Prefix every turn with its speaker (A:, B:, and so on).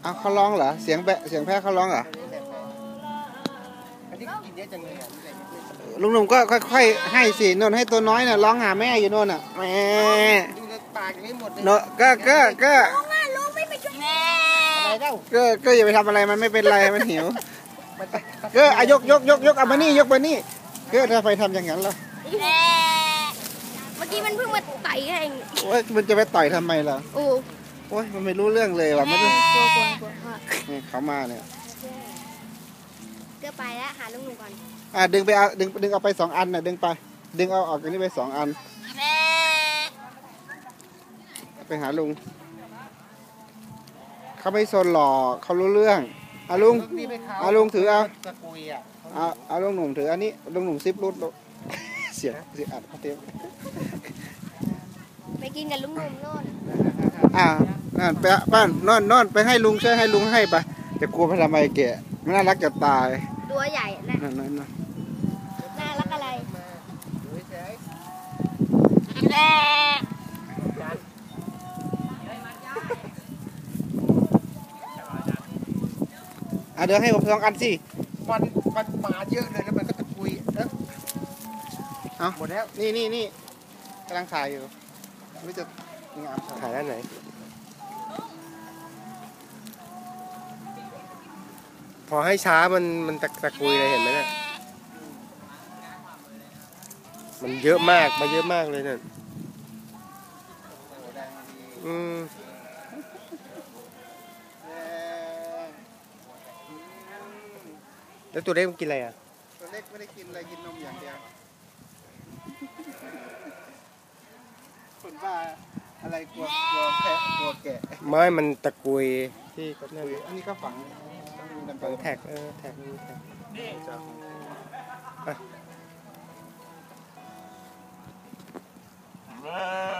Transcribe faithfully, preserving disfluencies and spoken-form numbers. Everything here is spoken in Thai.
A: อ้าวเขาร้องเหรอเสียงแบะเสียงแพะเขาร้องเหรอลุงหนุ่มก็ค่อยๆให้สินนให้ตัวน้อยน่ะร้องหาแม่อยู่โน่นน่ะแม่ปากยังไม่หมดเลยเนาะก็ก็ก็ลุงไม่ไปช่วยแม่อะไรเล่าก็ก็อย่าไปทำอะไรมันไม่เป็นไรมันหิวก็อายกยกยกยกเอามานี่ยกมานี่ก็ถ้าไปทำอย่างนั้นล่ะ
B: เมื่อกี้มันเพิ่งมาต่อยเอง
A: โอ้ยมันจะไปต่อยทำไมล่ะ
B: โอ้
A: โอ้ยมันไม่รู้เรื่องเลยว่ะมัน
B: กลัวกลัวกลัว
A: นี่เขามาเนี่ย
B: ก็ไปแล้วหาลุงหนุ่มก่อน
A: อ่าดึงไปเอาดึงดึงเอาไปสองอันน่ะดึงไปดึงเอาออกจากนี้ไปสองอันไปหาลุงเขาไม่สนหรอกเขารู้เรื่องอาลุงอาลุงถือเอาเอาเอาลุงหนุ่มถืออันนี้ลุงหนุ่มซิปรูดเสียเสียอัดเขาเต็ม
B: ไปกินกับลุงหนุ่มโน่น
A: อ่านั่นไปบ้านนอนนอนไปให้ลุงช่วยให้ลุงให้ไปจะกลัวไปทำไมแกมันน่ารักจะตาย
B: ตัวใหญ่นะ
A: นั่นนั่นน่
B: ารักอะไร
A: อ่ะเดี๋ยวให้ผมสองอันสิ
C: มันมันมาเยอะเลยแล้วมันก็ตะกุยเอ้
A: เอาหมดแล้วนี่นี่นี่กำลังถ่ายอยู่ไม่จะงาม
C: ถ่ายด้านไหนพอให้ช้ามันมันตะตะกุยเลยเห็นไหมเนี่ยมันเยอะมากมาเยอะมากเลยเนี่ยอืมแล้วตัวเล็กมันกินอะไรอ่ะ
A: ตัวเล็กไม่ได้กินอะไรกินนมอย่างเดียวคนบ้าอะไรกลัวกลัวแพะกลัวแกะ
C: ไม่มันตะกุยที่
A: นั่นอันนี้ก็ฝัง
C: ฝังแท็กเออแท็กนี่แท็ก